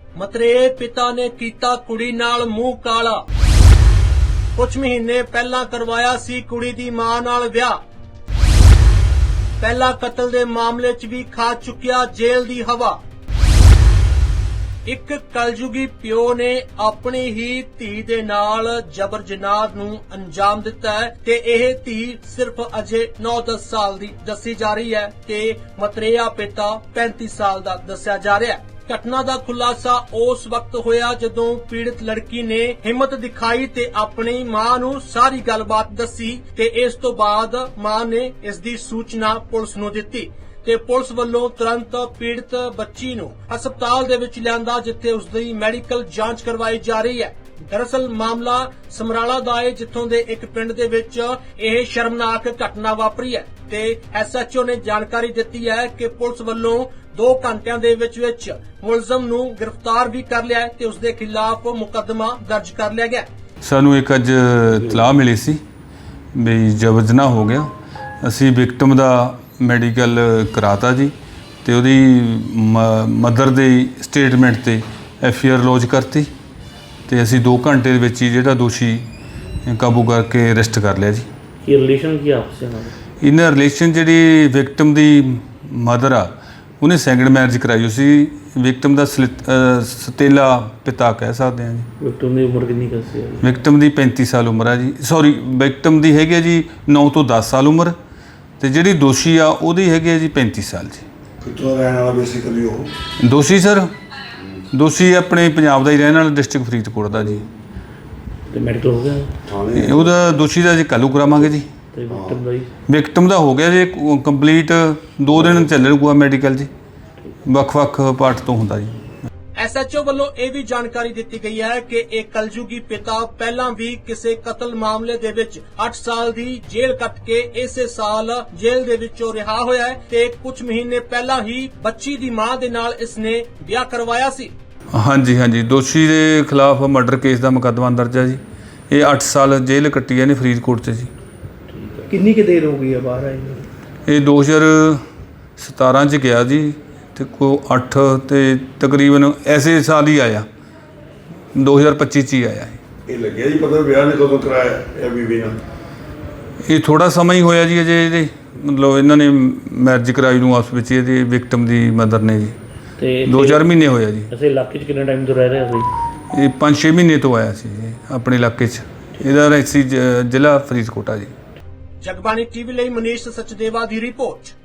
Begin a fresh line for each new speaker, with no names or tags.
ਮਤਰੇਏ ਪਿਤਾ ਨੇ ਕੀਤਾ ਕੁੜੀ ਨਾਲ ਮੂੰਹ ਕਾਲਾ। ਕੁਝ ਮਹੀਨੇ ਪਹਿਲਾਂ ਕਰਵਾਇਆ ਸੀ ਕੁੜੀ ਦੀ ਮਾਂ ਨਾਲ ਵਿਆਹ। ਪਹਿਲਾ ਕਤਲ ਦੇ ਮਾਮਲੇ 'ਚ ਵੀ ਖਾ ਚੁੱਕਿਆ ਜੇਲ੍ਹ ਦੀ ਹਵਾ। ਇੱਕ ਕਲਯੁਗੀ ਪਿਓ ਨੇ ਆਪਣੀ ਹੀ ਧੀ ਦੇ ਨਾਲ ਜਬਰ ਜਨਾਹ ਨੂੰ ਅੰਜਾਮ ਦਿੱਤਾ ਹੈ ਤੇ ਇਹ ਧੀ ਸਿਰਫ ਅਜੇ 9-10 ਸਾਲ ਦੀ ਦੱਸੀ ਜਾ ਰਹੀ ਹੈ ਤੇ ਮਤਰੇਆ ਪਿਤਾ 35 ਸਾਲ ਦਾ ਦੱਸਿਆ ਜਾ ਰਿਹਾ ਹੈ। ਘਟਨਾ ਦਾ ਖੁਲਾਸਾ ਉਸ ਵਕਤ ਹੋਇਆ ਜਦੋਂ ਪੀੜਤ ਲੜਕੀ ਨੇ ਹਿੰਮਤ ਦਿਖਾਈ ਤੇ ਆਪਣੀ ਮਾਂ ਨੂੰ ਸਾਰੀ ਗੱਲਬਾਤ ਦੱਸੀ ਤੇ ਇਸ ਤੋਂ ਬਾਅਦ ਮਾਂ ਨੇ ਇਸ ਦੀ ਸੂਚਨਾ ਪੁਲਿਸ ਨੂੰ ਦਿੱਤੀ ਤੇ ਪੁਲਿਸ ਵੱਲੋਂ ਤੁਰੰਤ ਪੀੜਤ ਬੱਚੀ ਨੂੰ ਹਸਪਤਾਲ ਦੇ ਵਿੱਚ ਲਿਆਂਦਾ ਜਿੱਥੇ ਉਸ ਦੀ ਮੈਡੀਕਲ ਜਾਂਚ ਕਰਵਾਈ ਜਾ ਰਹੀ ਹੈ। ਦਰਅਸਲ ਮਾਮਲਾ ਸਮਰਾਲਾ ਦਾ ਹੈ ਜਿੱਥੋਂ ਦੇ ਇੱਕ ਪਿੰਡ ਦੇ ਵਿੱਚ ਇਹ ਸ਼ਰਮਨਾਕ ਘਟਨਾ ਵਾਪਰੀ ਹੈ ਤੇ ਐਸਐਚਓ ਨੇ ਜਾਣਕਾਰੀ ਦਿੱਤੀ ਹੈ ਕਿ ਪੁਲਿਸ ਵੱਲੋਂ 2 ਘੰਟਿਆਂ ਦੇ ਵਿੱਚ ਮੁਲਜ਼ਮ ਨੂੰ ਗ੍ਰਿਫਤਾਰ ਵੀ ਕਰ ਲਿਆ ਹੈ ਤੇ ਉਸ ਦੇ ਖਿਲਾਫ ਮੁਕੱਦਮਾ ਦਰਜ ਕਰ ਲਿਆ ਗਿਆ।
ਸਾਨੂੰ ਇੱਕ ਅੱਜ ਇਤਲਾਹ ਮਿਲੀ ਸੀ ਵੀ ਜਬਰ ਜਨਾਹ ਹੋ ਗਿਆ। ਅਸੀਂ ਵਿਕਟਮ ਦਾ ਮੈਡੀਕਲ ਕਰਾਤਾ ਜੀ ਤੇ ਉਹਦੀ ਮਦਰ ਦੇ ਸਟੇਟਮੈਂਟ ਤੇ ਐਫਆਈਆਰ ਲੌਜ ਕਰਤੀ ਤੇ ਅਸੀਂ 2 ਘੰਟੇ ਦੇ ਵਿੱਚ ਹੀ ਜਿਹੜਾ ਦੋਸ਼ੀ ਕਾਬੂ ਕਰਕੇ ਅਰੈਸਟ ਕਰ ਲਿਆ ਜੀ।
ਕੀ ਰਿਲੇਸ਼ਨ ਕੀ ਆਪਸ ਵਿੱਚ
ਇਹਨਾਂ ਰਿਲੇਸ਼ਨ ਜਿਹੜੀ ਵਿਕਟਮ ਦੀ ਮਦਰ ਆ ਉਹਨੇ ਸੈਕੰਡ ਮੈਰਿਜ ਕਰਾਈ ਹੋਈ ਸੀ। ਵਿਕਟਮ ਦਾ ਸਤੇਲਾ ਪਿਤਾ ਕਹਿ ਸਕਦੇ ਹਾਂ ਜੀ।
ਵਿਕਟਮ ਦੀ ਉਮਰ ਕਿੰਨੀ ਕੁ ਸੀ?
ਵਿਕਟਮ ਦੀ 35 ਸਾਲ ਉਮਰ ਹੈ ਜੀ। ਸੌਰੀ, ਵਿਕਟਮ ਦੀ ਹੈਗੀ ਹੈ ਜੀ 9 ਤੋਂ 10 ਸਾਲ ਉਮਰ ਤੇ ਜਿਹੜੀ ਦੋਸ਼ੀ ਆ ਉਹਦੀ ਹੈਗੀ ਹੈ ਜੀ 35 ਸਾਲ ਜੀ।
ਕਿੱਥੋਂ ਰਹਿਣ ਵਾਲਾ ਬੇਸਿਕਲੀ ਉਹ
ਦੋਸ਼ੀ ਸਰ ਦੋਸ਼ੀ ਆਪਣੇ ਪੰਜਾਬ ਦਾ ਹੀ ਰਹਿਣ ਵਾਲਾ, ਡਿਸਟ੍ਰਿਕਟ ਫਰੀਦਕੋਟ ਦਾ ਜੀ।
ਤੇ ਮੈਡੀਕਲ ਹੋ ਗਿਆ
ਥਾਣੇ
ਉਹਦਾ ਦੋਸ਼ੀ ਦਾ ਜੀ ਕੱਲ੍ਹ ਕਰਾਵਾਂਗੇ ਜੀ।
ਤੇ ਵਿਕਟਮ ਦਾ ਹੀ
ਵਿਕਟਮ ਦਾ ਹੋ ਗਿਆ ਜੀ ਕੰਪਲੀਟ 2 ਦਿਨ ਚੱਲੂਗਾ ਮੈਡੀਕਲ ਜੀ। ਵੱਖ-ਵੱਖ ਪਾਰਟ ਤੋਂ ਹੁੰਦਾ ਜੀ।
ਐਸਐਚਓ ਵੱਲੋਂ ਇਹ ਵੀ ਜਾਣਕਾਰੀ ਦਿੱਤੀ ਗਈ ਹੈ ਕਿ ਇਹ ਕਲਯੁਗੀ ਪਿਤਾ ਪਹਿਲਾਂ ਵੀ ਕਿਸੇ ਕਤਲ ਮਾਮਲੇ ਦੇ ਵਿੱਚ 8 ਸਾਲ ਦੀ ਜੇਲ੍ਹ ਕੱਟ ਕੇ ਇਸੇ ਸਾਲ ਜੇਲ੍ਹ ਦੇ ਵਿੱਚੋਂ ਰਿਹਾ ਹੋਇਆ ਹੈ ਤੇ ਕੁਝ ਮਹੀਨੇ ਪਹਿਲਾਂ ਹੀ ਬੱਚੀ ਦੀ ਮਾਂ ਦੇ ਨਾਲ ਇਸਨੇ ਵਿਆਹ ਕਰਵਾਇਆ ਸੀ।
ਹਾਂਜੀ, ਦੋਸ਼ੀ ਦੇ ਖਿਲਾਫ ਮਰਡਰ ਕੇਸ ਦਾ ਮੁਕੱਦਮਾ ਦਰਜ ਹੈ ਜੀ। ਇਹ 8 ਸਾਲ ਜੇਲ੍ਹ ਕੱਟੀ ਨੇ ਫਰੀਦਕੋਟ 'ਚ ਜੀ।
ਕਿੰਨੀ ਕੁ ਦੇਰ ਹੋ ਗਈ ਹੈ ਬਾਹਰ ਆਈ?
ਇਹ 2017 'ਚ ਗਿਆ ਜੀ ਤੇ 8 ਤੇ ਤਕਰੀਬਨ ਐਸੇ ਸਾਲ ਹੀ ਆਇਆ, 2025 'ਚ ਹੀ ਆਇਆ।
ਇਹ ਲੱਗਿਆ ਜੀ ਪਤਾ ਵਿਆਹ ਨੇ ਕਦੋਂ ਕਰਾਇਆ ਇਹ ਬੀਬੀ ਨਾਲ?
ਇਹ ਥੋੜਾ ਸਮਾਂ ਹੀ ਹੋਇਆ ਜੀ ਅਜੇ ਇਹਦੇ ਮਤਲਬ ਇਹਨਾਂ ਨੇ ਮੈਰਿਜ ਕਰਾਈ ਨੂੰ ਆਪਸ ਵਿੱਚ ਇਹਦੇ ਵਿਕਟਮ ਦੀ ਮਦਰ ਨੇ ਜੀ।
ਤੇ
2-4 ਮਹੀਨੇ ਹੋਇਆ ਜੀ।
ਅਸੀਂ ਇਲਾਕੇ 'ਚ ਕਿੰਨੇ ਟਾਈਮ ਤੋਂ ਰਹਿ ਰਹੇ ਸੀ?
ਇਹ 5-6 ਮਹੀਨੇ ਤੋਂ ਆਇਆ ਸੀ ਜੀ ਆਪਣੇ ਇਲਾਕੇ 'ਚ। ਇਹਦਾ ਰੈਸੀ ਜ਼ਿਲ੍ਹਾ ਫਰੀਦਕੋਟ ਆ ਜੀ।
ਜਗਬਾਣੀ ਟੀਵੀ ਲਈ ਮਨੀਸ਼ ਸਚਦੇਵਾ ਦੀ ਰਿਪੋਰਟ।